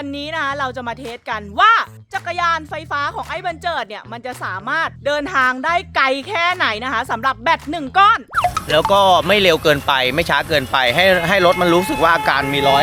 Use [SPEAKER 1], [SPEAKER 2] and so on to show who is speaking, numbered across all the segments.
[SPEAKER 1] วันนี้นะคะเราจะมาเทสกันว่าจักรยานไฟฟ้าของไอ้บันเจิดเนี่ยมันจะสามารถเดินทางได้ไกลแค่ไหนนะคะสำหรับแบต1 ก้อน
[SPEAKER 2] แล้วก็ไม่เร็วเกินไปไม่ช้าเกินไปให้รถมันรู้สึกว่าอาการมีรอย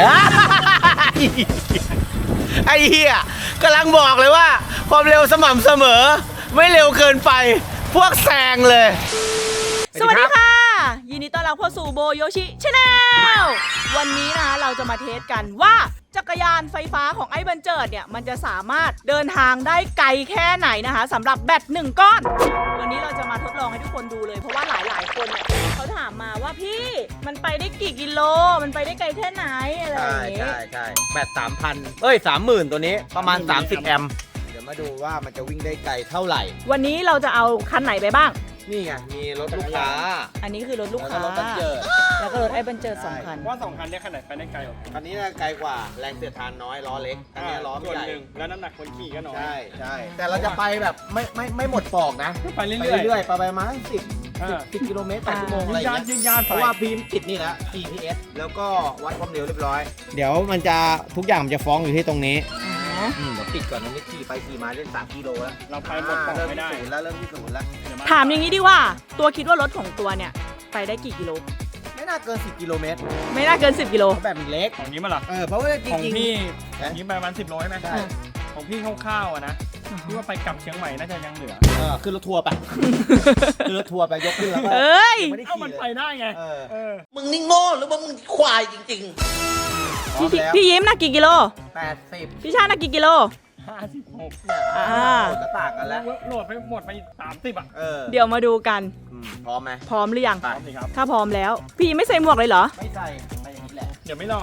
[SPEAKER 2] ไอ้เหี้ยกำลังบอกเลยว่าความเร็วสม่ำเสมอไม่เร็วเกินไปพวกแซงเลย
[SPEAKER 1] สวัสดีค่ะยินดีต้อนรับเข้าสู่โบโยชิชาแนลวันนี้นะคะเราจะมาเทสกันว่าจักรยานไฟฟ้าของไอ้บันเจิดเนี่ยมันจะสามารถเดินทางได้ไกลแค่ไหนนะคะสำหรับแบต1 ก้อนวันนี้เราจะมาทดลองให้ทุกคนดูเลยเพราะว่าหลายคนเนี่ยเขาถามมาว่าพี่มันไปได้กี่กิโลมันไปได้ไกลแค่ไหนอะไรอย่างเงี้ย
[SPEAKER 2] ใช่แบต3,000 30,000 ตัวนี้ประมาณ30 แอมป์เดี๋ยวมาดูว่ามันจะวิ่งได้ไกลเท่าไหร่
[SPEAKER 1] วันนี้เราจะเอาคันไหนไปบ้าง
[SPEAKER 2] นี่ไงมีรถลูกค้า
[SPEAKER 1] อันนี้คือรถลูกค้าแล้วก็รถไอ้บันเจิด2 คัน
[SPEAKER 3] ว่า2 คันนี้คันไหนไปได้ไกลกว่า
[SPEAKER 2] คันนี้ไกลกว่าแรงเสียดทานน้อยล้อเล็กอันนี้ล้อใหญ่
[SPEAKER 3] แล้วน้ำหนักคนขี่ก็น้อย
[SPEAKER 2] ใช่แต่เราจะไปแบบไม่หมดปอกนะ
[SPEAKER 3] ไปเรื่อย
[SPEAKER 2] ไปประมาณ10 กิโลเมตรต่อชั่วโมงอะไรอย่างเงี้ยเพราะว่าพีมติดนี่แล้ว GPS แล้วก็วัดความเร็วเรียบร้อยเดี๋ยวมันจะทุกอย่างมันจะฟ้องอยู่ที่ตรงนี้เดี๋ยวปิดก่อนนะนี่ขี่ไปขี่มาเล่น3 กิโลแล้ว
[SPEAKER 3] เราไปหมดปอกไม่ได้
[SPEAKER 2] เริ่มที่ศูนย์แล้ว
[SPEAKER 1] ถามอย่างนี้ดีว่าตัวคิดว่ารถของตัวเนี่ยไปได้กี่กิโล
[SPEAKER 2] ไม่น่าเกิน10 กิโลเมตร
[SPEAKER 1] ไม่น่าเกิน10 กิโล
[SPEAKER 2] แบบมันเล็ก
[SPEAKER 3] ของนี้มาหรอ
[SPEAKER 2] เพราะว่าจริง
[SPEAKER 3] ของพี่นี้ประมาณ10 โลใช่ไหมใช่ของพี่คร่าวๆนะพี่ว่าไปกลับเชียงใหม่น่าจะยังเหลือ
[SPEAKER 2] ขึ้นรถทัวร์ไปขึ้นรถทัวร์ไปยกขึ้นแล้วก็
[SPEAKER 3] เอ้ามันไปได้ไง
[SPEAKER 2] มึงนี่โง่หรือว่ามึงควายจริง
[SPEAKER 1] ๆพี่ยิ้มนะกี่กิโล
[SPEAKER 2] 80
[SPEAKER 1] พี่ชาตินะกี่กิโล
[SPEAKER 3] 56
[SPEAKER 2] ก็ต่างกันแล้ว
[SPEAKER 3] โหลดไปหมดไป30
[SPEAKER 1] เดี๋ยวมาดูกัน
[SPEAKER 2] พร้อมไหม
[SPEAKER 1] พร้อมหรือยัง
[SPEAKER 3] พร้อมสิครับ
[SPEAKER 1] ถ้าพร้อมแล้วพี่ไม่ใส่หมวกเลยเหรอ
[SPEAKER 2] ไม่ใส่ไปอย่างนี้แหละ
[SPEAKER 3] เดี๋ยวไม่รอ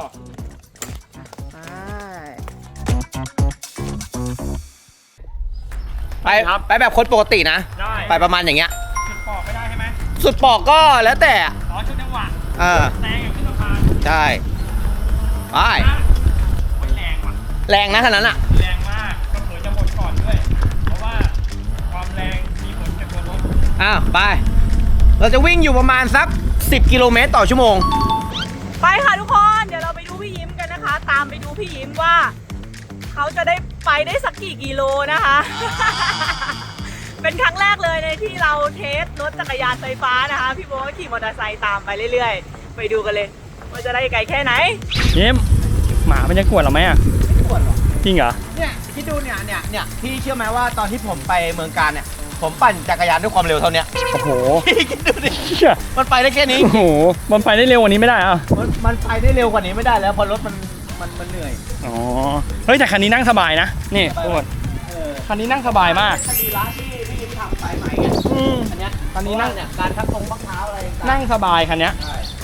[SPEAKER 2] ไปแบบคนปกตินะไปประมาณอย่างเงี้ย
[SPEAKER 3] สุดปอกไม่ได้ใช่ไหม
[SPEAKER 2] สุดปอกก็แล้วแต่
[SPEAKER 3] ชุดจังหวะแรงอย่างที่สะพาน
[SPEAKER 2] ใช่ไปแรงนะขนาดนั้นอ่ะ
[SPEAKER 3] แรงมากก็เผยจะหมดก่อนด้วยเพราะว่าความแรงมีผลกับตัวรถ
[SPEAKER 2] ไปเราจะวิ่งอยู่ประมาณสัก10 กิโลเมตรต่อชั่วโมง
[SPEAKER 1] ไปค่ะทุกคนเดี๋ยวเราไปดูพี่ยิ้มกันนะคะตามไปดูพี่ยิ้มว่าเขาจะได้ไปได้สักกี่กิโลนะคะ เป็นครั้งแรกเลยในที่เราเทสรถจักรยานไฟฟ้านะคะพี่โบ๊ทขี่มอเตอร์ไซค์ตามไปเรื่อยๆไปดูกันเลยว่าจะได้ไกลแค่ไหน
[SPEAKER 3] ยิ้มหมามันจะกวดเราไหม
[SPEAKER 2] ไม่กวดหรอก
[SPEAKER 3] จริงเหรอ
[SPEAKER 2] เนี่ยคิดดูเนี่ยพี่เชื่อไหมว่าตอนที่ผมไปเมืองการเนี่ยผมปั่นจักรยานด้วยความเร็วเท่านี้
[SPEAKER 3] โอ้โห
[SPEAKER 2] คิดดูดิมันไปได้แค่นี้
[SPEAKER 3] โอ้โหมันไปได้เร็วกว่านี้ไม่ได้
[SPEAKER 2] มันไปได้เร็วกว่านี้ไม่ได้แล้วเพราะรถมันเหนื่อย
[SPEAKER 3] อ๋อเฮ้ยแต่คันนี้นั่งสบายนะนี่ทุกคนคันนี้นั่งสบายมาก
[SPEAKER 2] คันนี้ร้านที่พี่ทำสายใหม่ไงอันนี้คันนี้นั่งเนี่ยการทักตรงบักเท้าอะไร
[SPEAKER 3] นั่งสบายคันนี้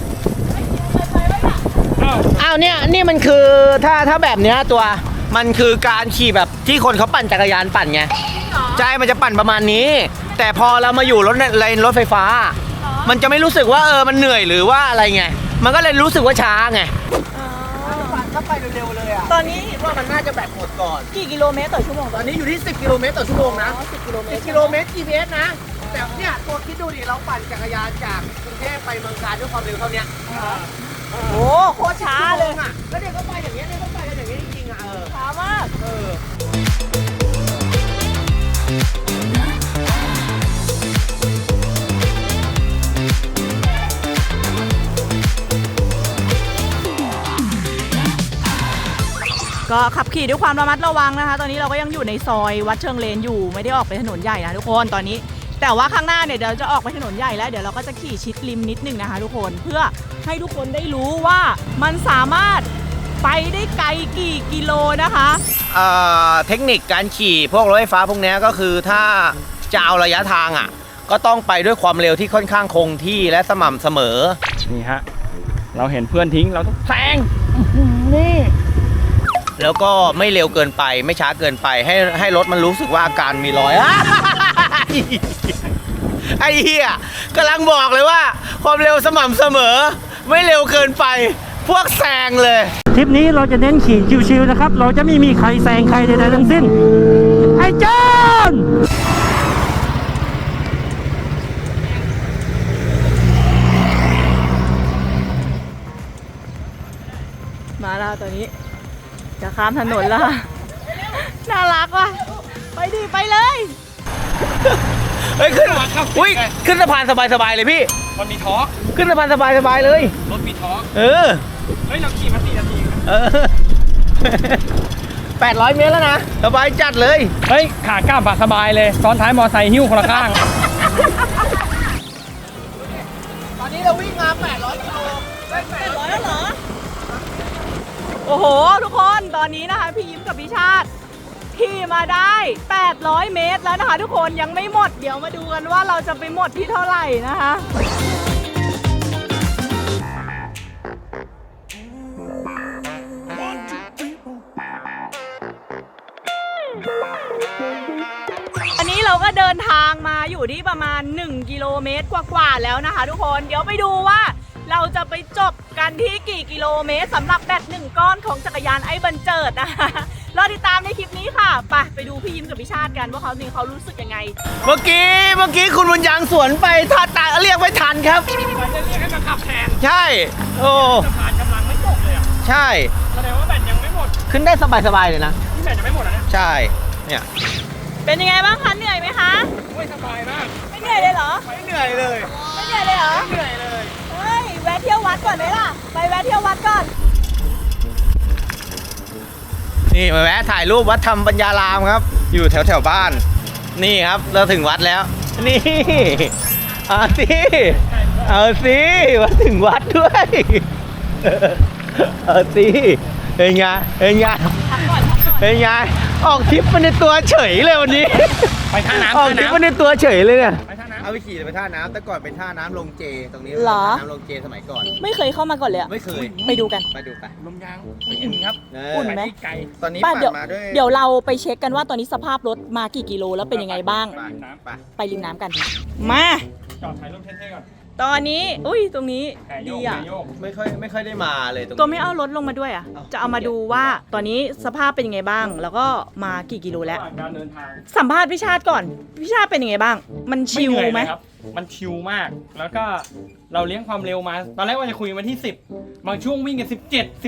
[SPEAKER 2] อ้าวเนี่ยนี่มันคือถ้าแบบเนี้ยตัวมันคือการขี่แบบที่คนเขาปั่นจักรยานปั่นไงใช่มันจะปั่นประมาณนี้แต่พอเรามาอยู่รถไฟฟ้ามันจะไม่รู้สึกว่ามันเหนื่อยหรือว่าอะไรไงมันก็เลยรู้สึกว่าช้าไงถ้าไปเร็วๆเลยอ่ะ
[SPEAKER 1] ตอนนี้
[SPEAKER 2] คิดว่ามันน่าจะแบตหมดก่อน
[SPEAKER 1] กี่กิโลเมตรต่อชั่วโมง
[SPEAKER 2] ตอนนี้อยู่ที่10 กิโลเมตรต่อชั่วโมงนะ
[SPEAKER 1] 10 กิโลเมตร
[SPEAKER 2] GPS นะแต่เนี่ยตัวคิดดูดิเราปั่นจักรยานจากกรุงเทพไปเมืองการด้วยความเร็วเท่านี้
[SPEAKER 1] โอ้โคตรช้าเลย
[SPEAKER 2] อ่ะแล้วเด็กก็ไปอย่างเงี้ยเขาไปกันอย่างเงี้ยจริงๆอ่ะ
[SPEAKER 1] ช้ามากก็ขับขี่ด้วยความระมัดระวังนะคะตอนนี้เราก็ยังอยู่ในซอยวัดเชิงเลนอยู่ไม่ได้ออกไปถนนใหญ่นะทุกคนตอนนี้แต่ว่าข้างหน้าเนี่ยเดี๋ยวจะออกไปถนนใหญ่แล้วเดี๋ยวเราก็จะขี่ชิดริมนิดนึงนะคะทุกคนเพื่อให้ทุกคนได้รู้ว่ามันสามารถไปได้ไกลกี่กิโลนะคะ
[SPEAKER 2] เทคนิคการขี่พวกรถไฟฟ้าพวกนี้ก็คือถ้าจะเอาระยะทางอ่ะก็ต้องไปด้วยความเร็วที่ค่อนข้างคงที่และสม่ำเสมอ
[SPEAKER 3] นี่ฮะเราเห็นเพื่อนทิ้งเราต้องแซงนี่
[SPEAKER 2] แล้วก็ไม่เร็วเกินไปไม่ช้าเกินไปให้รถมันรู้สึกว่าอาการมีรอย ไอ้เหี้ยกำลังบอกเลยว่าความเร็วสม่ำเสมอไม่เร็วเกินไปพวกแซงเลย
[SPEAKER 3] ทริปนี้เราจะเน้นขี่ชิวๆนะครับเราจะไม่มีใครแซงใครใดๆทั้งสิ้นไอ้จอน
[SPEAKER 1] มาแล้วตอนนี้จะข้ามถนนแล้วค่ะน่ารักว่ะไปดิไปเลย
[SPEAKER 2] เฮ้ยขึ้นอุ้ยขึ้นสะพานสบายๆเลยพี่
[SPEAKER 3] มันมีทอร์ก
[SPEAKER 2] ขึ้นสะพานสบายๆเลย
[SPEAKER 3] รถมีทอร์ก
[SPEAKER 2] เออ
[SPEAKER 3] เฮ้ยเราขี่มา4 นาที
[SPEAKER 2] เออ 800 เมตรแล้วนะสบายจัดเลย
[SPEAKER 3] เฮ้ยขากลับอะสบายเลยซ้อนท้ายมอไซค์หิ้วคนละข้าง
[SPEAKER 2] ตอนนี้เราวิ่งมา 800 กิโล
[SPEAKER 1] 800แล้วเหรอโอ้โหทุกคนตอนนี้นะคะพี่ยิ้มกับพี่ชาติขี่มาได้ 800 เมตรแล้วนะคะทุกคนยังไม่หมดเดี๋ยวมาดูกันว่าเราจะไปหมดที่เท่าไหร่นะคะ อันนี้เราก็เดินทางมาอยู่ที่ประมาณ1 กิโลเมตรกว่าๆแล้วนะคะทุกคนเดี๋ยวไปดูว่าเราจะไปจบกันที่กี่กิโลเมตรสำหรับแบต1 ก้อนของจักรยานไอ้บันเจิดนะคะรอติดตามในคลิปนี้ค่ะไปดูพี่ยิ้มกับพี่ชาติกันว่าเขารู้สึกยังไง
[SPEAKER 2] เมื่อกี้คุณบุญยังสวนไปท่าตาเรียกไม่ทันครับ
[SPEAKER 3] มันจะเรียกให้มาขับแทน
[SPEAKER 2] ใช่ โอ้
[SPEAKER 3] สะพานกำลังไม่ตกเลยอ่ะ
[SPEAKER 2] ใช่
[SPEAKER 3] แสดงว่าแบตยังไม่หมด
[SPEAKER 2] ขึ้นได้สบายๆเลยนะ
[SPEAKER 3] ที่แบตยังไม่หมดอ่ะเนี่ย
[SPEAKER 2] ใช่ เนี่ย
[SPEAKER 1] เป็นยังไงบ้างคะเหนื่อยไหมคะ
[SPEAKER 3] โอ้ยสบายมาก
[SPEAKER 1] ไม่เหนื่อยเลยเหรอ
[SPEAKER 2] ไม่เหนื่อยเลย
[SPEAKER 1] ไม่เหนื่อยเลยเหรอ
[SPEAKER 3] เหนื่อยเลย
[SPEAKER 1] เฮ้ยแวะเที่ยววัดก่อนไหมล่ะไปแวะเที่ยววัดก่อน
[SPEAKER 2] นี่มาแวะถ่ายรูปวัดธรรมปัญญารามครับ อยู่แถวบ้าน นี่ครับเราถึงวัดแล้ว นี่เอาสิมาถึงวัดด้วย เอาสิเป็นไงเป็นไงเป็นไงออกทริปมาในตัวเฉยเลยวันนี้
[SPEAKER 3] ไปท่าน้ำ
[SPEAKER 2] ออกทริปมาในตัวเฉยเลยเนี่ย
[SPEAKER 3] ไปท่าน้ำ
[SPEAKER 2] เอาไปขี่ไปท่าน้ำแต่ก่อนเป็นท่าน้ำลงเจตรงนี้
[SPEAKER 1] เหรอ
[SPEAKER 2] น้ำลงเจสมัยก่อน
[SPEAKER 1] ไม่เคยเข้ามาก่อนเลยอะ
[SPEAKER 2] ไม่เคย
[SPEAKER 1] ไปดูกัน
[SPEAKER 2] ไปดูไป
[SPEAKER 3] ลมยางอุ่นครับ
[SPEAKER 1] อุ่นไหม
[SPEAKER 3] ปที่ไกล
[SPEAKER 2] ตอนนี้
[SPEAKER 1] ป้า
[SPEAKER 2] ปั่น
[SPEAKER 1] เดี๋ยว
[SPEAKER 2] มาด้วย
[SPEAKER 1] เดี๋ยวเราไปเช็คกันว่าตอนนี้สภาพรถมากี่กิโลแล้วเป็นยังไงบ้าง
[SPEAKER 2] ไปไป
[SPEAKER 1] ไปริมน้ำกัน มา
[SPEAKER 3] จอดถ่ายรูปเท่ๆก่อน
[SPEAKER 1] ตอนนี้อุ้ยตรงนี้
[SPEAKER 3] แผลโย
[SPEAKER 1] ดี
[SPEAKER 3] กแผล
[SPEAKER 1] อ่ะ
[SPEAKER 3] โยก
[SPEAKER 2] ไม่ค่อยได้มาเลยตรงนี้
[SPEAKER 1] ตัวไม่เอารถลงมาด้วยอ่ะ
[SPEAKER 2] เอา
[SPEAKER 1] จะเอามาดูว่าตอนนี้สภาพเป็นยังไงบ้าง แล้วก็มากี่กิโลแล้ว
[SPEAKER 3] ระหว่างการเดินทาง
[SPEAKER 1] สัมภาษณ์พี่ชาติก่อนพี่ชาติเป็นยังไงบ้าง มันชิล
[SPEAKER 3] เหนื่อย
[SPEAKER 1] ไหม
[SPEAKER 3] เลยครับ มันชิลมาก แล้วก็เราเลี้ยงความเร็วมา ตอนแรกว่าจะคุยมาที่ 10 บางช่วงวิ่งกัน17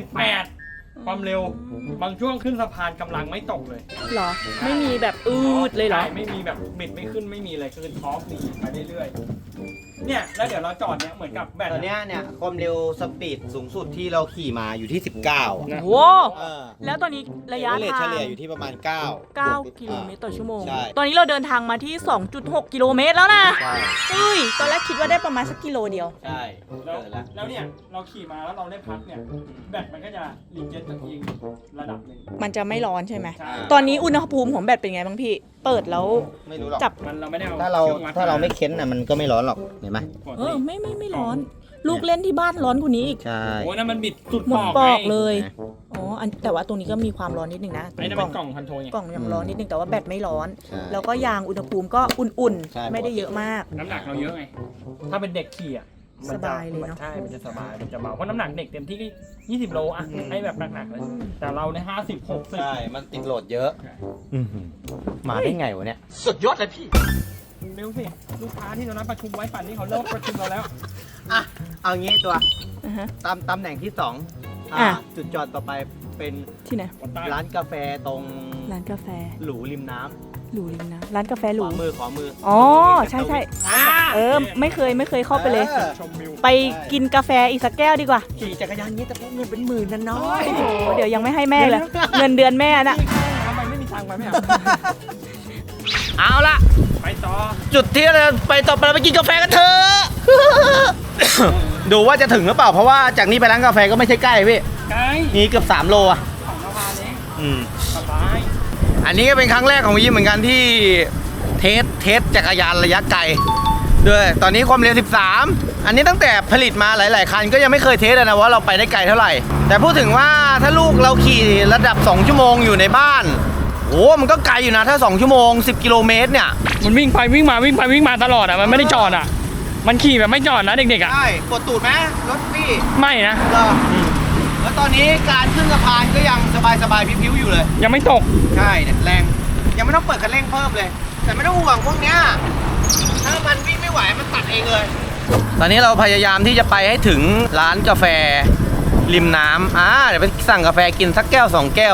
[SPEAKER 3] 18 ความเร็ว บางช่วงขึ้นสะพานกำลังไม่ตกเลย
[SPEAKER 1] เหรอ ไม่มีแบบอืดเลยเหรอ
[SPEAKER 3] ใช่ไม่มีแบบบิดไม่ขึ้นไม่มีเลยคือท็อปดีไปเรื่อยๆ เนี่ยแล้วเดี๋ยวเราจอดเนี่ยเหมือนกับแบต
[SPEAKER 2] ตอนเนี้ยเนี่ยความเร็วสปีดสูงสุดที่เราขี่มาอยู่ที่ 19
[SPEAKER 3] นะ
[SPEAKER 1] โว้
[SPEAKER 2] เออ
[SPEAKER 1] แล้วตอนนี้ระยะ
[SPEAKER 2] เฉ
[SPEAKER 1] ทาง
[SPEAKER 2] ลี่ยอยู่ที่ประมาณ 9
[SPEAKER 1] 9 กิโลเมตรต่อชั่วโมง
[SPEAKER 2] ใช่
[SPEAKER 1] ตอนนี้เราเดินทางมาที่ 2.6 กิโลเมตรแล้วนะ
[SPEAKER 2] ใช่
[SPEAKER 1] เอ้ย ตอนแรกคิดว่าได้ประมาณสักกิโลเดียว
[SPEAKER 2] ใช่
[SPEAKER 3] แล้ว
[SPEAKER 2] เกิดแล้ว
[SPEAKER 3] แล้วเนี่ยเราขี่มาแล้วเราได้พักเนี่ยแบตมันก็จะรีเจนตัวเองระดับหนึ่ง
[SPEAKER 1] มันจะไม่ร้อนใช่ไหม
[SPEAKER 3] ใช่
[SPEAKER 1] ตอนนี้อุณหภูมิของแบตเป็นไงบ้างพี่ เปิดแล้ว
[SPEAKER 2] ไม่รู้หรอก
[SPEAKER 1] จับ
[SPEAKER 3] มันเราไม่ได้เอา
[SPEAKER 2] ถ้าเรา
[SPEAKER 3] คองวัด
[SPEAKER 2] ถ้าเราไม่เค้นน่ะมันก็ไม่ร้อนหรอกเห็นไหม
[SPEAKER 1] เออไม่ร้อน ลูกเล่นที่บ้านร้อนกว่านี้อีก
[SPEAKER 2] ใช่
[SPEAKER 3] โอ้ยนั่นมันบิดสุด
[SPEAKER 1] หม
[SPEAKER 3] ป
[SPEAKER 1] ด
[SPEAKER 3] อก
[SPEAKER 1] ปอก
[SPEAKER 3] ไง
[SPEAKER 1] เลย อ๋อแต่ว่าตรงนี้ก็มีความร้อนนิดนึงนะ
[SPEAKER 3] ไอ้นั่น
[SPEAKER 1] กล่
[SPEAKER 3] เป็
[SPEAKER 1] อง
[SPEAKER 3] นกล่องคอนโทรลไง
[SPEAKER 1] กล่องยังร้อนนิดนึงแต่ว่าแบตไม่ร้อน
[SPEAKER 2] ใช่
[SPEAKER 1] แล้วก็ยางอุณหภูมิก็อุ่น
[SPEAKER 2] ใช่
[SPEAKER 1] ๆ ไม่ได้เยอะมาก
[SPEAKER 3] น้ำหนักเราเยอะไง ถ้าเป็นเด็กขี่อ่ะมัน
[SPEAKER 1] สบายเลยเนอะ
[SPEAKER 3] ใช่ มันจะสบาย มันจะเบา เพราะน้ำหนักเด็กเต็มที่ก็20 โลอ่ะ ให้แบบหนักๆเลย แต่เราใน50 60
[SPEAKER 2] ใช่ มันติดโหลดเยอะมาได้ไงวะเนี่ย สุดยอดเลยพี่
[SPEAKER 3] เร็วสิ ลูกค้าที่เรานัดประชุมไว้ป่านนี้เขาเริ่มประชุมเราแล้ว
[SPEAKER 2] อ่ะ เอางี้ตัว
[SPEAKER 1] อ่าฮะ
[SPEAKER 2] ตำแหน่งที่2
[SPEAKER 1] อ่ะ
[SPEAKER 2] จุดจอดต่อไปเป็น
[SPEAKER 1] ที่ไหน
[SPEAKER 2] ร้านกาแฟตรง
[SPEAKER 1] ร้านกาแฟ
[SPEAKER 2] หรูริมน้
[SPEAKER 1] หรูริมนะร้านกาแฟ
[SPEAKER 2] ำ
[SPEAKER 1] หรู
[SPEAKER 2] ขวามือ
[SPEAKER 1] อ๋อใช่
[SPEAKER 3] อ่า
[SPEAKER 1] เออไม่เคยเข้าไปเลย
[SPEAKER 3] ชมวิว
[SPEAKER 1] ไปกินกาแฟอีกสักแก้วดีกว่า
[SPEAKER 2] ขี่จักรยานนี้แต่พวกเงินเป็นหมื่นนะน้อย
[SPEAKER 1] โอ้โหเดี๋ยวยังไม่ให้แม่เลย เงินเดือนแม่น่ะ
[SPEAKER 3] ทำไมไม่มีตังค์ไปไม่เอา
[SPEAKER 2] เอาละ
[SPEAKER 3] ไปต่อ
[SPEAKER 2] จุดที่เราไปต่อไปเราไปกินกาแฟกันเถอะ ดูว่าจะถึงหรือเปล่าเพราะว่าจากนี้ไปร้านกาแฟก็ไม่ใช่ใกล้พี่
[SPEAKER 3] ไกล
[SPEAKER 2] นี่เกือบ3 โลอ่ะ
[SPEAKER 3] ของสะพานเอง
[SPEAKER 2] อืม
[SPEAKER 3] สบาย
[SPEAKER 2] อันนี้ก็เป็นครั้งแรกของวิมเหมือนกันที่เทสจักรยานระยะไกลด้วยตอนนี้ความเร็ว 13 อันนี้ตั้งแต่ผลิตมาหลาย ๆ คันก็ยังไม่เคยเทสเลยนะว่าเราไปได้ไกลเท่าไหร่ แต่พูดถึงว่าถ้าลูกเราขี่ระดับ 2 ชั่วโมงอยู่ในบ้านโอ้มันก็ไกลอยู่นะถ้า 2 ชั่วโมง 10 กิโลเมตรเนี่ย
[SPEAKER 3] มันวิ่งไปวิ่งมาวิ่งไปวิ่งมาตลอดอ่ะ มันไม่ได้จอดอ่ะ มันขี่แบบไม่จอดนะเด็กๆอ่ะ
[SPEAKER 2] ใช่กดตูดไหมรถพี่
[SPEAKER 3] ไม่นะ
[SPEAKER 2] แล้วตอนนี้การขึ้นสะพานก็ยังสบายๆพิ้วๆอยู่เลย
[SPEAKER 3] ยังไม่ตก
[SPEAKER 2] ใช่เนี่ยแรงยังไม่ต้องเปิดคันเร่งเพิ่มเลย แต่ไม่ต้องห่วงพวกเนี้ยถ้ามันวิ่งไม่ไหวมันตัดเองเลย ตอนนี้เราพยายามที่จะไปให้ถึงร้านกาแฟริมน้ำเดี๋ยวไปสั่งกาแฟกินสักแก้ว2 แก้ว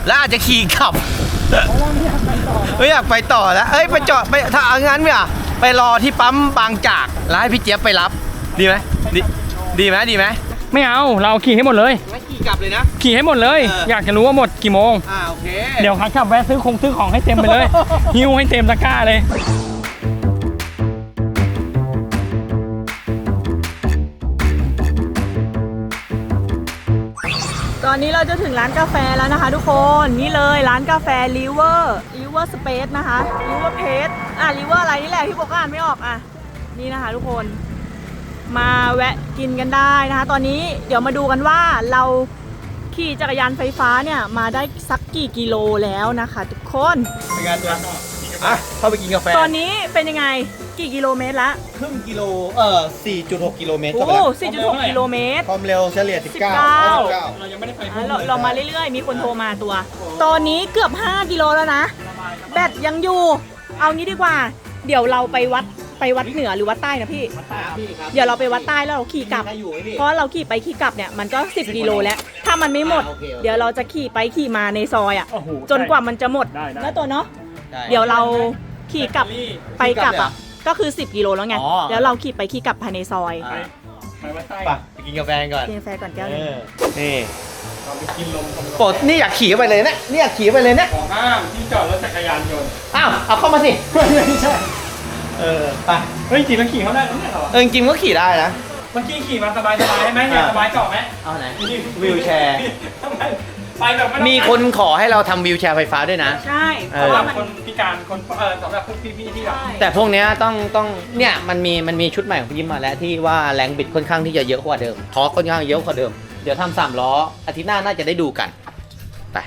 [SPEAKER 2] แล้วอาจจะขี่กลับไม่อยากไปต่อแล้วเอ้ยไปจอดไปถ้าเอางั้นเนี่ยไปรอที่ปั๊มบางจากแล้วให้พี่เจี๊ยบไปรับดีไหมดีไหม
[SPEAKER 3] ไม่เอาเราขี่ให้หมดเลย
[SPEAKER 2] งั้นขี่กลับเลยนะ
[SPEAKER 3] ขี่ให้หมดเลย อยากจะรู้ว่าหมดกี่โมง
[SPEAKER 2] โอเค
[SPEAKER 3] เดี๋ยวขากลับแวะซื้อของให้เต็มไปเลย หิ้วให้เต็มตะกร้าเลย
[SPEAKER 1] ตอนนี้เราจะถึงร้านกาแฟแล้วนะคะทุกคนนี่เลยร้านกาแฟ River Space นะคะ River Space River อะไรนี่แหละที่บอกอ่านไม่ออกนี่นะคะทุกคนมาแวะกินกันได้นะคะตอนนี้เดี๋ยวมาดูกันว่าเราขี่จักรยานไฟฟ้าเนี่ยมาได้สักกี่กิโลแล้วนะคะทุกคน
[SPEAKER 2] เป็นไงตัวเข้าไปกินกาแฟ
[SPEAKER 1] ตอนนี้เป็นยังไงกี่กิโลเมตรละ
[SPEAKER 2] ครึ่งกิโล4.6 กิโลเมตร
[SPEAKER 1] โอ้
[SPEAKER 2] ก็ไปแล้ว
[SPEAKER 1] 4.6 กิโลเมตร
[SPEAKER 2] ความเร็วเฉลี่ย 19
[SPEAKER 3] เรายังไม่ได้ไป
[SPEAKER 1] เรามาเรื่อยๆมีคนโทรมาตัว ตอนนี้เกือบ5 กิโลแล้วนะแบตยังอยู่เอางี้ดีกว่าเดี๋ยวเราไปวัดเหนือหรือวัดใต้นะพี่เดี๋ยวเราไปวัดใต้แล้วเราขี่กลับเพราะเราขี่ไปขี่กลับเนี่ยมันก็10 กิโลแล้วถ้ามันไม่หมด เดี๋ยวเราจะขี่ไปขี่มาในซอยจนกว่ามันจะหมดแล้วตัวเนาะเดี๋ยวเราขี่กลับไปกลับก็คือ10 กิโลแล้วไงแล้วเราขี่ไปขี่กลับภายในซอย
[SPEAKER 3] ไปวัดใต้
[SPEAKER 2] ไปกินกาแฟก่อน
[SPEAKER 1] กินกาแฟก่อนแก้วนึง
[SPEAKER 2] นี่
[SPEAKER 3] เราไปกินลม
[SPEAKER 2] ปดนี่อยากขี่ไปเลยนะนี่อยากขี่ไปเลยนะ
[SPEAKER 3] ของห้ามที่จอดรถจักรยานยนต์
[SPEAKER 2] อ้าวเอาเข้ามาสิ
[SPEAKER 3] ไม่ใช่
[SPEAKER 2] ไป
[SPEAKER 3] เฮ้ยจริงแล้วขี่เขาได้ไม่ใช่เหรอ
[SPEAKER 2] จริงๆก็ขี่ได้นะ
[SPEAKER 3] เมื่อกี้ขี่มาสบายใช่ไหมเนี่ยสบายเจาะไหม
[SPEAKER 2] เอาไหนวิวแชร์
[SPEAKER 3] ทำไมไปแบบไม่ต้อง
[SPEAKER 2] มีคนขอให้เราทำวิวแชร์ไฟฟ้าด้วยนะ
[SPEAKER 1] ใช่
[SPEAKER 3] สำหรับคนพิการคนสำหรับพวกพี่ๆที่แบบ
[SPEAKER 2] แต่พวกเนี้ยต้องเนี่ยมันมีชุดใหม่ของพี่ยิ้มมาแล้วที่ว่าแรงบิดค่อนข้างที่จะเยอะกว่าเดิมทอร์คค่อนข้างเยอะกว่าเดิมเดี๋ยวทำ3 ล้ออาทิตย์หน้าน่าจะได้ดูกันไป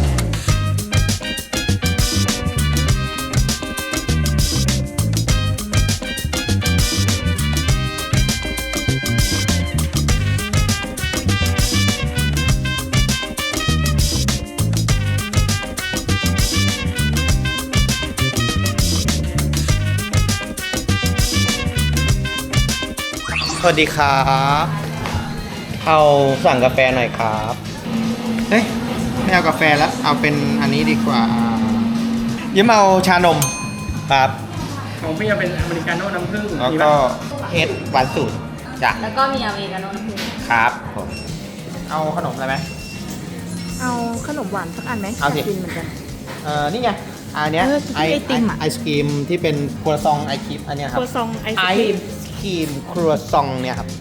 [SPEAKER 2] สวัสดีครับเอาสั่งกาแฟหน่อยครับเฮ้ยไม่เอากาแฟแล้วเอาเป็นอันนี้ดีกว่ายิ้มเอาชานมครับ
[SPEAKER 3] ของพี่จะเป็นอเมริกาโน่น้ำผึ้ง
[SPEAKER 2] แล้วก็เอสหวานสูตรจ้ะ
[SPEAKER 4] แล้วก็มีอเมริกาโน่น้ำผึ้ง
[SPEAKER 2] ครับผมเอาขนมอะไรไหม
[SPEAKER 1] เอาขนมหวานสักอันไหม
[SPEAKER 2] เอาสิ
[SPEAKER 1] ยกกินเหมือนกัน
[SPEAKER 2] นี่ไงอันเนี้ย
[SPEAKER 1] ไอติมอะ
[SPEAKER 2] ไอศกรีมที่เป็นครัวซองไอครีมอันเนี้ยครับ
[SPEAKER 1] ครัวซองไอศ
[SPEAKER 2] ไอก
[SPEAKER 1] รีม
[SPEAKER 2] ครีมครัวซองเนี่ยครับ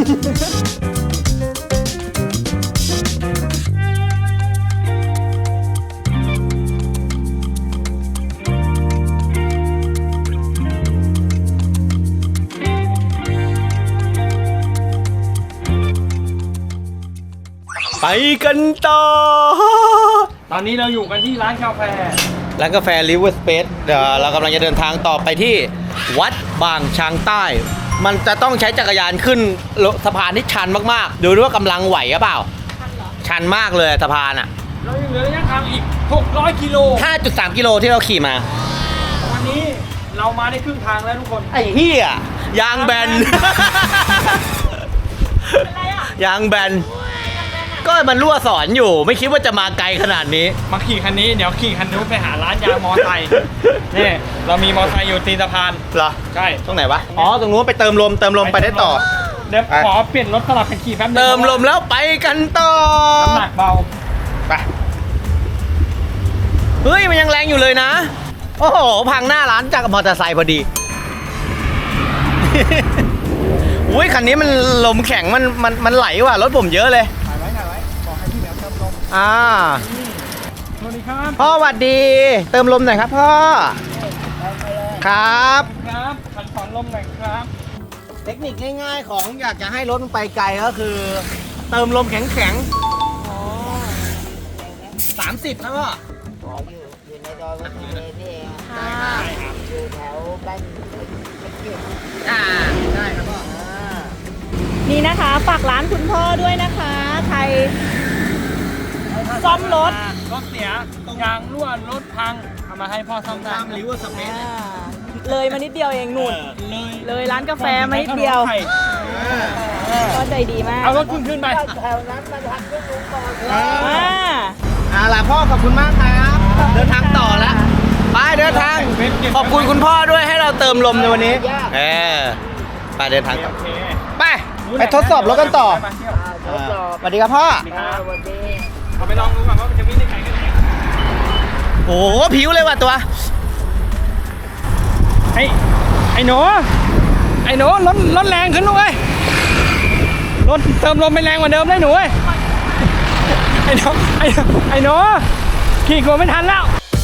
[SPEAKER 2] ไปกันต่อ
[SPEAKER 3] ตอนนี้เราอยู่กันที่ร้านกาแฟ
[SPEAKER 2] ร้านกาแฟ River Space เดี๋ยวเรากำลังจะเดินทางต่อไปที่วัดบางช้างใต้ มันจะต้องใช้จักรยานขึ้นสะพานที่ชันมากๆ ดูด้วยว่ากำลังไหวหรือเปล่า ชันมากเลยสะพานอ่ะ
[SPEAKER 3] เรายังเหลือระยะทางอีก600 กิโล
[SPEAKER 2] 5.3 กิโลที่เราขี่มา
[SPEAKER 3] วันนี้เรามาได้ครึ่งทางแล้วทุกคน
[SPEAKER 2] ไอ้เหี้ยยางแบน
[SPEAKER 1] อะไรอ่ะ
[SPEAKER 2] ยางแบน ก็มันรั่วสอนอยู่ ไม่คิดว่าจะมาไกลขนาดนี้
[SPEAKER 3] มาขี่คันนี้เดี๋ยวขี่คันนู้นไปหาร้านยางมอไซค์ นี่เรามีมอไซค์อยู่ตีนสะพาน
[SPEAKER 2] เหรอ
[SPEAKER 3] ใช่
[SPEAKER 2] ตรงไหนวะ อ๋อ ตรงนู้นไปเติมลมไปได้ต่อ
[SPEAKER 3] เดี๋ยวขอเปลี่ยนรถสลับกันขี่แป๊บนึง
[SPEAKER 2] เติมลมแล้วไปกันต่อ
[SPEAKER 3] น้ำหนักเบา
[SPEAKER 2] ไป เฮ้ย มันยังแรงอยู่เลยนะ โอ้โห พังหน้าร้านจากมอเตอร์ไซค์พอดี อุ้ยคันนี้มันลมแข็งมันไหลว่ะรถผมเยอะเลย
[SPEAKER 3] ถ่ายไว้บอกให้พี่แหลมเติมลม สวัสดีครับ
[SPEAKER 2] พ่อสวัสดี เติมลมหน่อยครับพ่อ ครับ
[SPEAKER 3] ครับขันสอนลมหน่อยครับ
[SPEAKER 2] เทคนิคง่ายๆของอยากจะให้รถมันไปไกลก็คือ เติมลมแข็งๆ30นะพ่อ
[SPEAKER 4] อยู่ในดอยวัดทะเลนี่เอง
[SPEAKER 1] ค่ะ
[SPEAKER 4] อยู่แถวบ้าน
[SPEAKER 2] ได้ครับพ่อ
[SPEAKER 1] นี่นะคะฝากร้านคุณพ่อด้วยนะคะใครซ่อมรถ
[SPEAKER 3] รถเสียยางรั่วรถพังเอามาให้พ่อซ่อมได้
[SPEAKER 2] ตามริเวอร์สเปซ
[SPEAKER 1] เลยมานิดเดียวเองนุ่น
[SPEAKER 3] เลย
[SPEAKER 1] เลยร้านกาแฟมานิดเดียว ก็ใจดีมาก
[SPEAKER 3] เอารถขึ้นไป
[SPEAKER 4] แถวนั้นมันทำขึ้นลุงก่อน
[SPEAKER 1] อ่า
[SPEAKER 2] เอาล่ะพ่อขอบคุณมากครับเดินทางต่อแล้วไปเดินทางขอบคุณคุณพ่อด้วยให้เราเติมลมในวันนี้ไปเดินทางต่อ
[SPEAKER 3] โอเค
[SPEAKER 2] ไปทดสอบรถกันต่อ
[SPEAKER 3] ไปเที่ยว
[SPEAKER 4] ทดสอบ
[SPEAKER 2] สวัสดีครับพ่อ
[SPEAKER 4] วันนี้
[SPEAKER 3] เอาไปลองดูก่อนว่ามันจะวิ่งได้ไกลแค่ไหน
[SPEAKER 2] โอ้โหผิวเลยว่ะตัว
[SPEAKER 3] ไอ้หนูรถแรงขึ้นด้วยรถเติมลมไม่แรงกว่าเดิมเลยหนูเว้ยไอ้หนูขี่กลัวไม่ทันแล้ว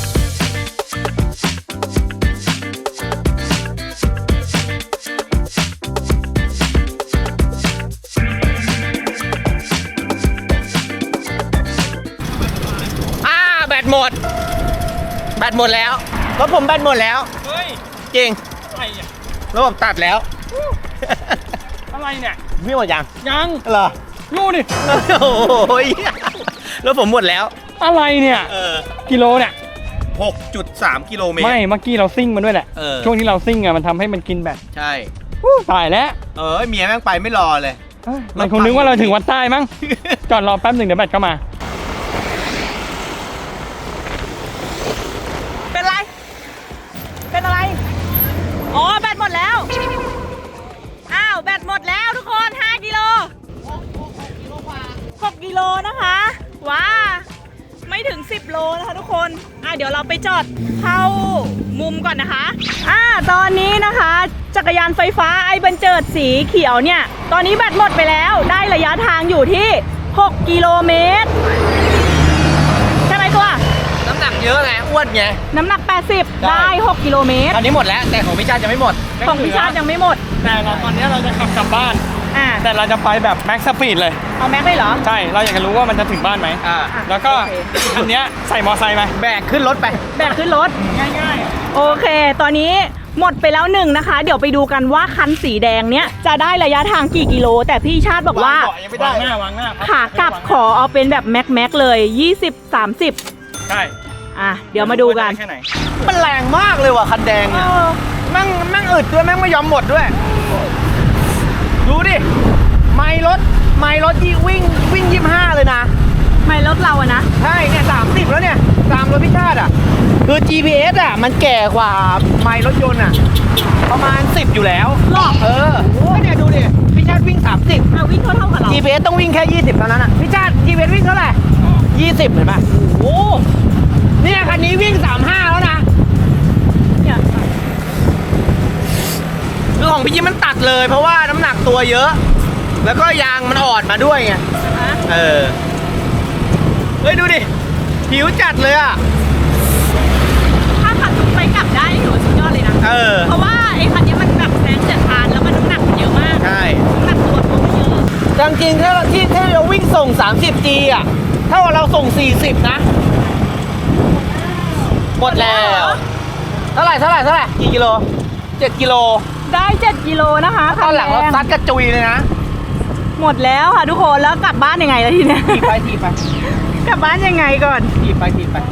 [SPEAKER 2] แบตหมดแล้วรถผมแบตหมดแล้ว
[SPEAKER 3] เฮ้ย
[SPEAKER 2] จริง
[SPEAKER 3] อะไรอ่ะ
[SPEAKER 2] รถผมตัดแล้ว
[SPEAKER 3] อะไรเนี่ย
[SPEAKER 2] พี่หมดยัง
[SPEAKER 3] ยัง
[SPEAKER 2] เหรอ
[SPEAKER 3] ดูดิ
[SPEAKER 2] โอ้ยรถผมหมดแล้ว
[SPEAKER 3] อะไรเนี่ยกิโลเนี่ย
[SPEAKER 2] 6.3 กิโลเมตร
[SPEAKER 3] ไม่เมื่อกี้เราซิ่งมันด้วยแหละ ช่วงที่เราซิ่งอะมันทำให้มันกินแบต
[SPEAKER 2] ใช่
[SPEAKER 3] ตายแล้ว
[SPEAKER 2] เมียแม่งไปไม่รอเลย
[SPEAKER 3] มันคงนึกว่าเราถึงวัดใต้มั้ง จอดรอแป๊บหนึ่งเดี๋ยวแบตก็มา
[SPEAKER 1] เป็นไร เป็นอะไร อ๋อ แบตหมดแล้ว อ้าว แบตหมดแล้วทุกคน 5 กิโล 6 กิโลนะคะ ว้า ไม่ถึง 10 โลนะคะทุกคน เดี๋ยวเราไปจอดเข้ามุมก่อนนะคะ ตอนนี้นะคะ จักรยานไฟฟ้าไอ้บันเจิดสีเขียวเนี่ย ตอนนี้แบตหมดไปแล้ว ได้ระยะทางอยู่ที่ 6 กิโลเมตร ใช่ไหมตัว
[SPEAKER 2] น้ำหนักเยอะไงอ้วนไง
[SPEAKER 1] น้ำหนัก 80 ได้ 6 กิโลเมตร
[SPEAKER 2] ตอนนี้หมดแล้วแต่ของพี่ชาติจะไม่หมด
[SPEAKER 1] ของพิชาติยังไม่หมด
[SPEAKER 3] แต่ตอนนี้เราจะขับกลับบ้าน แต่เราจะไปแบบแม็กซ์สปีดเลย
[SPEAKER 1] เอาแม็กเลยเหรอ
[SPEAKER 3] ใช่ เราอยากจะรู้ว่ามันจะถึงบ้านไหม แล้วก็
[SPEAKER 1] โอเค
[SPEAKER 3] อันเนี้ยใส่มอไซค์ไหม
[SPEAKER 2] แบกขึ้นรถไป
[SPEAKER 1] แบกขึ้นรถ
[SPEAKER 3] ง่าย
[SPEAKER 1] โอเค ตอนนี้หมดไปแล้ว1นะคะ เดี๋ยวไปดูกันว่าคันสีแดงเนี้ยจะได้ระยะทางกี่กิโล แต่พี่ชาติบอกว่า
[SPEAKER 3] ๆวางหน้าวางหน้า
[SPEAKER 1] ขากลับขอเอาเป็นแบบแม็กเลย 20-30
[SPEAKER 3] ใช่
[SPEAKER 1] เดี๋ยวมาดูกัน
[SPEAKER 3] แค่ไหน
[SPEAKER 2] มันแรงมากเลยว่ะคันแดงเนี่ยแม่งอึดด้วยแม่งไม่ยอมหมดด้วย ดูดิ ไมล์รถวิ่ง25เลยนะ
[SPEAKER 1] ไม่รถเราอะนะ
[SPEAKER 2] ใช่เนี่ย30แล้วเนี่ยตามรถพิชาติอ่ะคือ GPS อ่ะมันแก่กว่าไมล์รถยนต์อ่ะประมาณ10อยู่แล้ว
[SPEAKER 1] หรอ
[SPEAKER 2] ก็เนี่ยดูดิพิชาติวิ่ง30
[SPEAKER 1] วิ่งเท่ากับเรา
[SPEAKER 2] GPS ต้องวิ่งแค่20เท่านั้นอ่ะพิชาติ GPS วิ่งเท่าไหร่20เห็นป่ะโอ้เนี่ยคันนี้วิ่ง35แล้วนะ
[SPEAKER 1] เนี่ย
[SPEAKER 2] คือของพี่ยิ้มมันตัดเลยเพราะว่าน้ำหนักตัวเยอะ แล้วก็ยางมันอ่อนมาด้วยไงเฮ้ยดูดิผิวจัดเลยอ่ะ
[SPEAKER 1] ถ้าขับไปกลับได้ถือว่าสุดยอดเลยนะ เพราะว่าไอ้คันนี้มันแบบแซงเจ็ดพานแล้วมันน้ำหนักมันเยอะมาก
[SPEAKER 2] ใช่
[SPEAKER 1] น้ำหนักตัวเขาไม่เยอะ
[SPEAKER 2] จริงๆถ้าเราวิ่งส่ง 30G อ่ะถ้าว่าเราส่ง 40 นะ หมดแล้ว เท่าไหร่กี่กิโล7 กิโล
[SPEAKER 1] ได้ 7 กิโลนะคะ
[SPEAKER 2] ตอนหลังเราซัดกระจุยเลยนะ
[SPEAKER 1] หมดแล้วค่ะทุกคนแล้วกลับบ้านยังไงล่ะทีเนี้ย
[SPEAKER 2] ถีบไป
[SPEAKER 1] กลับบ้านยังไงก่อน
[SPEAKER 2] ถีบไป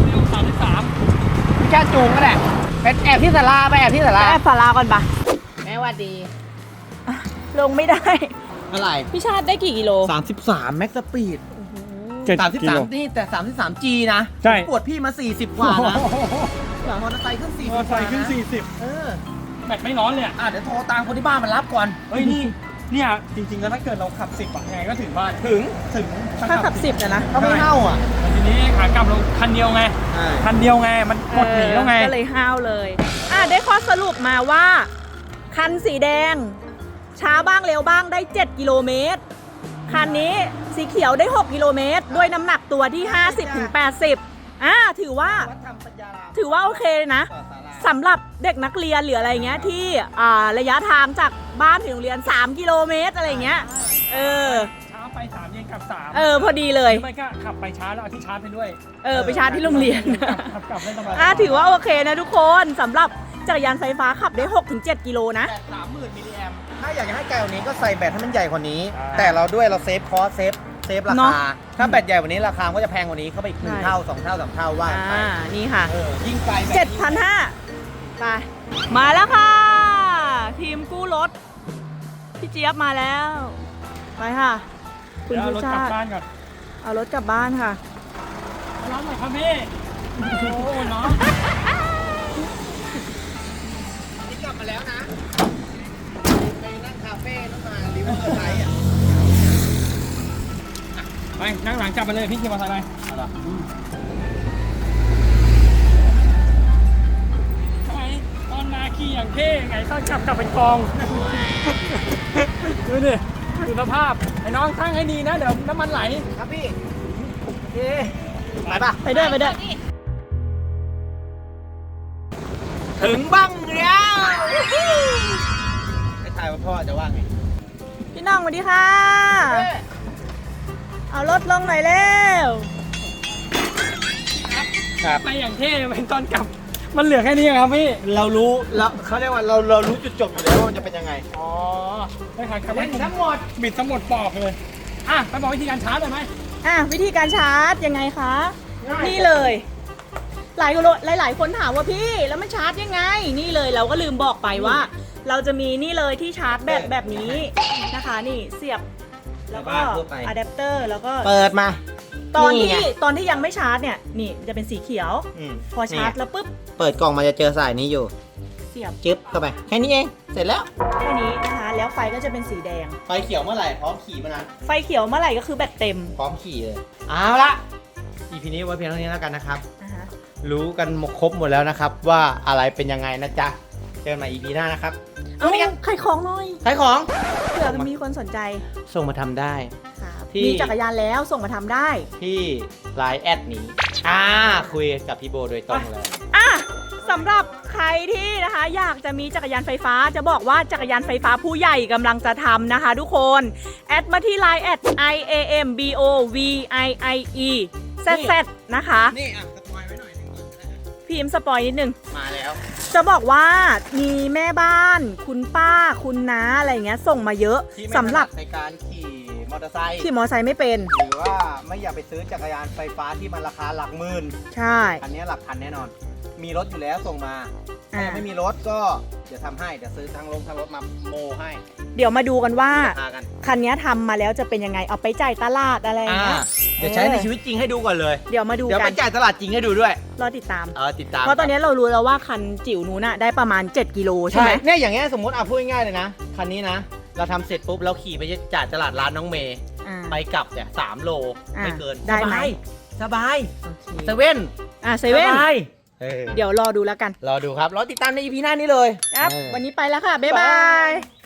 [SPEAKER 3] 33
[SPEAKER 2] แค่จูงก็ได้ไปแอบที่ศาลาไปแอบที่ศาลา
[SPEAKER 1] แอบสาราก่อนปะ
[SPEAKER 4] แม่ว่าดี
[SPEAKER 1] ลงไม่ได้
[SPEAKER 2] เท่าไหร่
[SPEAKER 1] พี่ชาติได้กี่กิโล
[SPEAKER 2] 33แม็กซ์สปีด
[SPEAKER 3] 7 กิโล
[SPEAKER 2] 33นี่แต่ 33G นะ
[SPEAKER 3] ใช่
[SPEAKER 2] ปวดพี่มา 40 กว่านะมอเตอร์ไซค์ขึ้น 40
[SPEAKER 3] มอไซค์ขึ้น 40แบตไม่ร้อนเลยอะ
[SPEAKER 2] เดี๋ยวโทรตามคนที่บ้านมารับก่อน
[SPEAKER 3] เฮ้ยเนี่ยจริงๆแล้วถ้าเกิดเราขับ 10อะยังไงก็ถึงบ้าน
[SPEAKER 2] ถึง
[SPEAKER 1] ถ้าขับ 10นะ
[SPEAKER 2] ถ้าไม่เน่าอ่ะ
[SPEAKER 3] แต่ทีนี้ขากลับเราคันเดียวไง คันเดียวไง มันกดหนีแล้วไง
[SPEAKER 1] ก็เลยห้าวเลย ได้ข้อสรุปมาว่า คันสีแดง ช้าบ้างเร็วบ้างได้ 7 กิโลเมตร คันนี้สีเขียวได้ 6 กิโลเมตร ด้วยน้ำหนักตัวที่ 50-80 ถือว่าโอเคเลยนะสำหรับเด็กนักเรียนหรืออะไรเงี้ยที่ระยะทางจากบ้านถึงโรงเรียน 3 กิโลเมตรอะไรเงี้ย
[SPEAKER 3] ช้าไป 3 เย็นกลับ 3
[SPEAKER 1] พอดีเลย
[SPEAKER 3] ไม่ก็ขับไปช้าแล้วเอาที่ชาร์จไปด้วย
[SPEAKER 1] ไปชาร์จที่โรงเรียน
[SPEAKER 3] ขับกลับได้สบาย
[SPEAKER 1] ถือว่าโอเคนะทุกคนสำหรับจักรยานไฟฟ้าขับได้ 6-7 กิโลนะ
[SPEAKER 2] แบต 30,000 มิลลิแอมป์ถ้าอยากจะให้ไกลกว่านี้ก็ใส่แบตให้มันใหญ่กว่านี้ แต่เราเซฟคอสเซฟรา
[SPEAKER 1] เนอะ
[SPEAKER 2] คา ถ้าแบตใหญ่กว่านี้ราคาก็จะแพงกว่านี้เข้าไปอีก1 เท่า 2 เท่า 3 เท่าว่าไป
[SPEAKER 1] นี่ค่ะ
[SPEAKER 2] ยิ่งไกลแบบ
[SPEAKER 1] 7,500 ไป มาแล้วค่ะ ทีมกู้รถ พี่เจี๊ยบมาแล้ว ไปค่ะ คุณ
[SPEAKER 3] เดี๋ยวเอา
[SPEAKER 1] ผู้
[SPEAKER 3] รถกลั
[SPEAKER 1] ชา
[SPEAKER 3] บ
[SPEAKER 1] ติ
[SPEAKER 3] บ้านก่อน
[SPEAKER 1] เอารถกลับบ้านค่ะ
[SPEAKER 3] น้องหน่อยครับพี่โอ้โหน้อง
[SPEAKER 2] นี่กลับมาแล้วนะไปนั่งคาเฟ่ต้องมาริเวอร์ไซด์อ่ะ
[SPEAKER 3] ไปนั่งหลังกลับไปเลยพี่ขี่มอเตอร์ไซค์ไป
[SPEAKER 2] เอาล่ะ
[SPEAKER 3] ทำไมตอนมาขี่อย่างเท่ไงตอนกลับเป็นกอง ดูดิดูสภาพไอ้น้องตั้งให้ดีนะเดี๋ยวน้ำมันไหล
[SPEAKER 2] ครับพี่โอเคไปปะ
[SPEAKER 1] ไปด้วยไปด้วย
[SPEAKER 2] ถึงบ้างแล้วไอ้ทายว่าพ่อจะว่าไง
[SPEAKER 1] พี่น้องสวัสดีค่ะ เอารถลงหน่อยเร็ว
[SPEAKER 2] ครับ
[SPEAKER 3] ไปอย่างเท่เป็นตอนกลับ มันเหลือแค่นี้ครับพี่
[SPEAKER 2] เรารู้แล้วเขาเรียกว่าเรารู้จุดจบอยู่แล้วว่ามันจะเป็นยังไง
[SPEAKER 3] อ๋อได้ค่ะครับ
[SPEAKER 2] เล่นทั้งหมด
[SPEAKER 3] บิดทั้งหมดปอกเลยอ่ะไปบอกวิธีการชาร์จเลยไหม
[SPEAKER 1] อ่ะวิธีการชาร์จยังไงคะ
[SPEAKER 3] ง่าย
[SPEAKER 1] นี่เลย หลายคนถามว่าพี่แล้วมันชาร์จยังไง นี่เลยเราก็ลืมบอกไปว่า เราจะมีนี่เลยที่ชาร์จแบตแบบนี้นะคะ นี่เสียบแล้วก็
[SPEAKER 2] ในบ้านทั่วไป
[SPEAKER 1] อะแดปเตอร์แล้วก็
[SPEAKER 2] เปิดมา
[SPEAKER 1] ตอน
[SPEAKER 2] นี่ไง
[SPEAKER 1] ที่ยังไม่ชาร์จเนี่ยนี่จะเป็นสีเขียว พอชาร์จแล้วปุ๊บ
[SPEAKER 2] เปิดกล่องมาจะเจอสายนี้อยู่
[SPEAKER 1] เสียบ
[SPEAKER 2] จึ๊บเข้าไปแค่นี้เองเสร็จแล้ว
[SPEAKER 1] แค่นี้นะคะ แล้วไฟก็จะเป็นสีแดง
[SPEAKER 2] ไฟเขียวเมื่อไหร่พร้อมขี่เมื่อนั้น
[SPEAKER 1] ไฟเขียวเมื่อไหร่ก็คือแบตเต็ม
[SPEAKER 2] พร้อมขี่เลยเอาละ EP นี้ไว้เพียงเท่านี้แล้วกันนะครับ
[SPEAKER 1] นะคะ
[SPEAKER 2] รู้กันหมดครบหมดแล้วนะครับ ว่าอะไรเป็นยังไงนะจ๊ะเจอกันใหม่ EP หน้านะครับ
[SPEAKER 1] เอาใครของหน่อย
[SPEAKER 2] ขายของ
[SPEAKER 1] เผื่อมีคนสนใจ
[SPEAKER 2] ส่งมาทำได้
[SPEAKER 1] ครับ
[SPEAKER 2] ที่
[SPEAKER 1] มีจักรยานแล้วส่งมาทำได้
[SPEAKER 2] ที่ไลน์แอดนี้คุยกับพี่โบโดยตรงเลย
[SPEAKER 1] อ่ะสำหรับใครที่นะคะอยากจะมีจักรยานไฟฟ้าจะบอกว่าจักรยานไฟฟ้าผู้ใหญ่กำลังจะทำนะคะทุกคนแอดมาที่ Line แอด IAMBOVIIE ZZ นะคะ
[SPEAKER 2] นี่อ่ะสปอยไว้หน่อยหนึงก่อนก็ได้
[SPEAKER 1] พิมพ์สปอยนิดนึง
[SPEAKER 2] มาแล้ว
[SPEAKER 1] จะบอกว่ามีแม่บ้าน คุณป้าคุณน้าอะไรเงี้ยส่งมาเยอะ
[SPEAKER 2] ที่ไม่
[SPEAKER 1] สำหรับ
[SPEAKER 2] ถนัดในการขี่มอเตอร์ไซค์
[SPEAKER 1] ขี่มอไซค์ไม่เป็น
[SPEAKER 2] หรือว่าไม่อยากไปซื้อจักรยานไฟฟ้าที่มันราคาหลักหมื่น
[SPEAKER 1] ใช่
[SPEAKER 2] อันนี้หลักพันแน่นอน มีรถอยู่แล้วส่งมาถ้ายังไม่มีรถก็เดี๋ยวทำให้เดี๋ยวซื้อทางรถมาโมให้
[SPEAKER 1] เดี๋ยวมาดูกันว่า
[SPEAKER 2] ราคากัน
[SPEAKER 1] คันนี้ทำมาแล้วจะเป็นยังไงเอาไปจ่ายตลาดอะไรอย่างเงี้ย
[SPEAKER 2] เดี๋ยวใช้ในชีวิตจริงให้ดูก่อนเลย
[SPEAKER 1] เดี๋ยวมาดู
[SPEAKER 2] เดี๋ยว
[SPEAKER 1] กั
[SPEAKER 2] ไป
[SPEAKER 1] น
[SPEAKER 2] จ่ายตลาดจริงให้ดูด้วย
[SPEAKER 1] รอติดตาม
[SPEAKER 2] ติดตาม
[SPEAKER 1] เพราะตอนนี้เรารู้แล้วว่าคันจิ๋วนู้นน่ะได้ประมาณ 7 กิโลใช่
[SPEAKER 2] ใช่
[SPEAKER 1] ไหม
[SPEAKER 2] เนี่ยอย่างเงี้ยสมมติพูดง่ายๆเลยนะคันนี้นะเราทำเสร็จปุ๊บเราขี่ไปจ่ายตลาดร้านน้องเมย์
[SPEAKER 1] อ่า
[SPEAKER 2] ไปกลับเนี่ย3 โล
[SPEAKER 1] อ่า
[SPEAKER 2] ไม่เกิน
[SPEAKER 1] ได้ไหม
[SPEAKER 2] สบาย
[SPEAKER 1] โอเค
[SPEAKER 2] เซเว่น
[SPEAKER 1] เซเว่น
[SPEAKER 2] สบาย
[SPEAKER 1] เดี๋ยวรอดูแล้วกัน
[SPEAKER 2] รอดูครับรอติดตามใน EP หน้านี้เลย
[SPEAKER 1] ครับ วันนี้ไปแล้วค่ะ บ๊ายบาย